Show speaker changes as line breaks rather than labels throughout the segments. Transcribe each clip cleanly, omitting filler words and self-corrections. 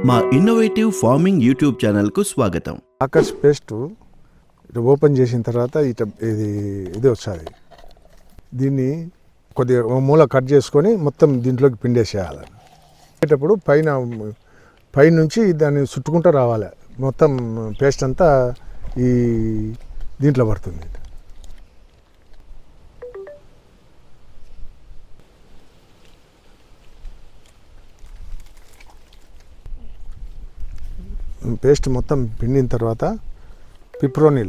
మా innovative farming YouTube ఛానల్కు స్వాగతం.
ఆకర్ష్ పేస్ట్ ఓపెన్ చేసిన తర్వాత ఇది వస్తుంది. దీన్ని కొద్దిగా మూల కట్ చేసుకొని మొత్తం దీంట్లోకి పిండేసేయాలి. పెట్టేటప్పుడు పైన నుంచి దాన్ని చుట్టుకుంటూ రావాలి. మొత్తం పేస్ట్ అంతా ఈ దీంట్లో పడుతుంది. పేస్ట్ మొత్తం పిండిన తర్వాత పిప్రోనిల్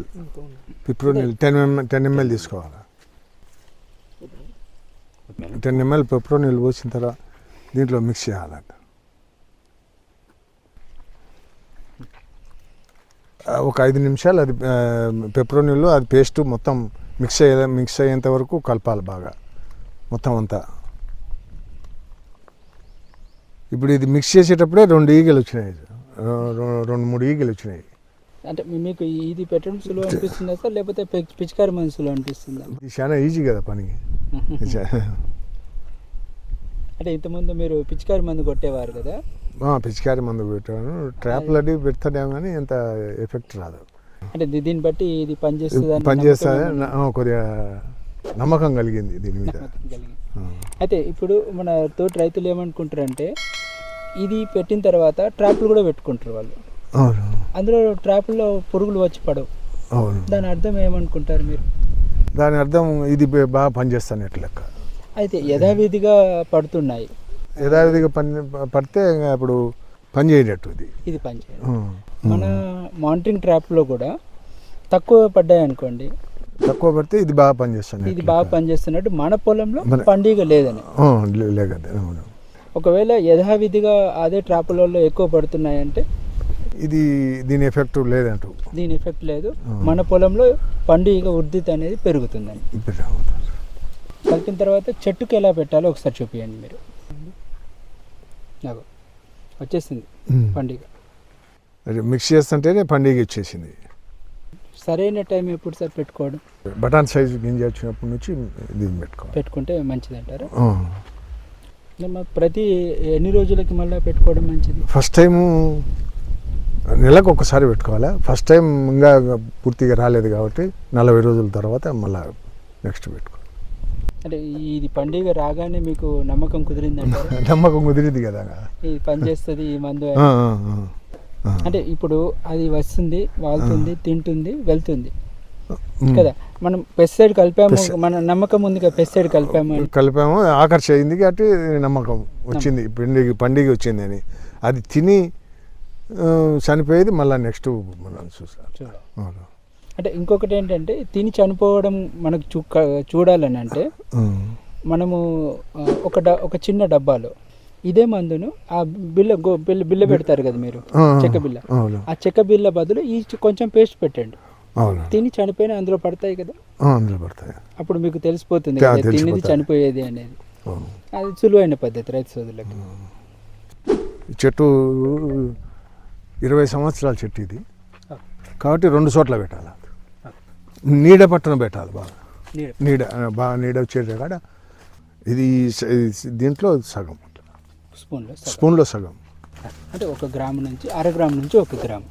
10 ml తీసుకోవాలి. 10 ml పిప్రోనిల్ పోసిన తర్వాత దీంట్లో మిక్స్ చేయాలంట. ఒక 5 నిమిషాలు అది పిప్రోనిల్ అది పేస్ట్ మొత్తం మిక్స్ అయ్యేంత వరకు కలపాలి బాగా మొత్తం అంతా. ఇప్పుడు ఇది మిక్స్ చేసేటప్పుడే 2 ఈగలు వచ్చినాయి, 2-3 ఈగలు వచ్చినాయి.
అంటే మీకు ఇది పెట్టడం సులువు అనిపిస్తుందా సార్, లేకపోతే పిచికారి మందు సులువు అనిపిస్తుందా?
ఇది చాలా ఈజీ కదా పని.
అంటే ఇంతకుముందు మీరు పిచికారి మందు కొట్టేవారు కదా?
పిచికారి మందు పెట్టాను. ట్రాప్లు అది పెడతాడేమో కానీ ఎంత ఎఫెక్ట్ రాదు.
అంటే దీన్ని బట్టి ఇది పనిచేస్తుంది
కొద్దిగా నమ్మకం కలిగింది దీని మీద.
అయితే ఇప్పుడు మన తోటి రైతులు ఏమనుకుంటారంటే ఇది పెట్టిన తర్వాత ట్రాప్లు కూడా పెట్టుకుంటారు వాళ్ళు. అందులో ట్రాప్లో పురుగులు వచ్చి పడవు. దాని అర్థం ఏమనుకుంటారు మీరు?
దాని అర్థం ఇది బాగా పనిచేస్తాను లెక్క.
అయితే యథావిధిగా పడుతున్నాయి.
యథావిధిగా పడితే అప్పుడు పని చేయనట్టు
ఇది పని చేయదు. మన మానిటరింగ్ ట్రాప్లో కూడా తక్కువ పడ్డాయి అనుకోండి,
తక్కువ పడితే ఇది బాగా పనిచేస్తాను.
ఇది బాగా పనిచేస్తున్నట్టు మన పొలంలో పండుగ లేదని. ఒకవేళ యథావిధిగా అదే ట్రాపులలో ఎక్కువ పడుతున్నాయంటే
దీని ఎఫెక్ట్ లేదంటూ.
దీని ఎఫెక్ట్ లేదు. మన పొలంలో పండుగ వృద్ధి అనేది పెరుగుతుందని. కలిపిన తర్వాత చెట్టుకి ఎలా పెట్టాలో ఒకసారి చూపించండి మీరు. నాకు వచ్చేసింది పండుగ.
మిక్స్ చేస్తుంటేనే పండుగ వచ్చేసింది.
సరైన టైం ఎప్పుడు సార్ పెట్టుకోవడం?
బటాన్ సైజు గింజ వచ్చినప్పటి నుంచి దీన్ని
పెట్టుకుంటే మంచిది అంటారా? ప్రతి ఎన్ని రోజులకి మళ్ళీ పెట్టుకోవడం మంచిది?
ఫస్ట్ టైము నెలకు ఒకసారి పెట్టుకోవాలి. ఫస్ట్ టైం ఇంకా పూర్తిగా రాలేదు కాబట్టి 40 రోజుల తర్వాత మళ్ళీ నెక్స్ట్ పెట్టుకోవాలి.
అంటే ఇది పండుగ రాగానే మీకు నమ్మకం కుదిరిందంటారా?
నమ్మకం కుదిరింది కదా,
ఇది పనిచేస్తుంది ఈ మందు. అంటే ఇప్పుడు అది వస్తుంది, వాళ్తుంది, తింటుంది, వెళ్తుంది కదా. మనం పెస్టిసైడ్ కలిపాము, మన నమ్మకం ఉంది కదా, పెస్టిసైడ్ కలిపాము
ఆకర్ష అయింది కాబట్టి నమ్మకం వచ్చింది. పండుగ వచ్చింది అని అది తిని చనిపోయేది మళ్ళీ నెక్స్ట్ మనం చూసాం.
అంటే ఇంకొకటి ఏంటంటే తిని చనిపోవడం మనకు చూడాలని అంటే మనము ఒక చిన్న డబ్బాలో ఇదే మందును ఆ బిల్ల పెడతారు కదా మీరు, చెక్క బిల్ల. ఆ చెక్క బిల్ల బదులు ఈ కొంచెం పేస్ట్ పెట్టండి. తిని చనిపోయిన అందులో పడతాయి కదా,
అందులో పడతాయి.
అప్పుడు మీకు తెలిసిపోతుంది తినేది చనిపోయేది అనేది. అది సులువైన పద్ధతి రైతు సోదరులకి.
చెట్టు 20 సంవత్సరాల చెట్టు ఇది కాబట్టి 2 చోట్ల పెట్టాలి. నీడ పట్టున పెట్టాలి, బాగా నీడ వచ్చేది కాడ. ఇది దీంట్లో సగం, స్పూన్లో సగం.
అంటే 1 గ్రాము నుంచి 1/2 గ్రాము నుంచి 1 గ్రాము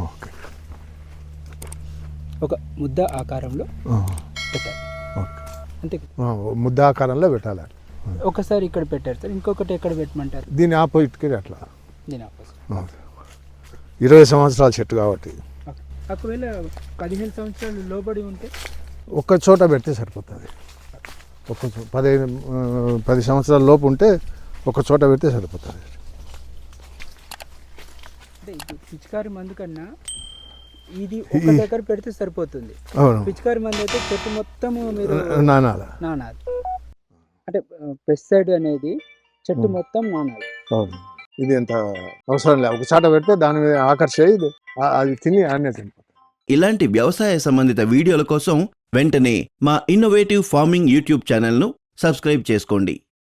ఒక ముద్ద ఆకారంలో పెట్టాలి. అంతే,
ముద్ద ఆకారంలో పెట్టాలి.
ఒకసారి ఇక్కడ పెట్టారు సార్, ఇంకొకటి ఎక్కడ పెట్టమంటారు?
దీని ఆపోజిట్కి అట్లా.
దీని ఆపోజిట్
20 సంవత్సరాల చెట్టు కాబట్టి.
ఒకవేళ 15 సంవత్సరాలు లోబడి ఉంటే
ఒక్క చోట పెడితే సరిపోతుంది. 10 సంవత్సరాల లోపు ఉంటే ఒక చోట పెడితే సరిపోతుంది.
అంటే పిచికారి మందు కన్నా ఇది ఒక దగ్గర పెడితే సరిపోతుంది. పిచికారి మందు అయితే చెట్టు మొత్తం మీరు నానాలి. అంటే పెస్టిసైడ్ అనేది చెట్టు మొత్తం నానాలి.
ఇది ఎంత అవసరం లేదు, ఒక చోట పెడితే దాని మీద ఆకర్ష అది తిని ఆనే.
ఇలాంటి వ్యవసాయ సంబంధిత వీడియోల కోసం వెంటనే మా ఇన్నోవేటివ్ ఫార్మింగ్ యూట్యూబ్ ఛానల్ను సబ్స్క్రైబ్ చేసుకోండి.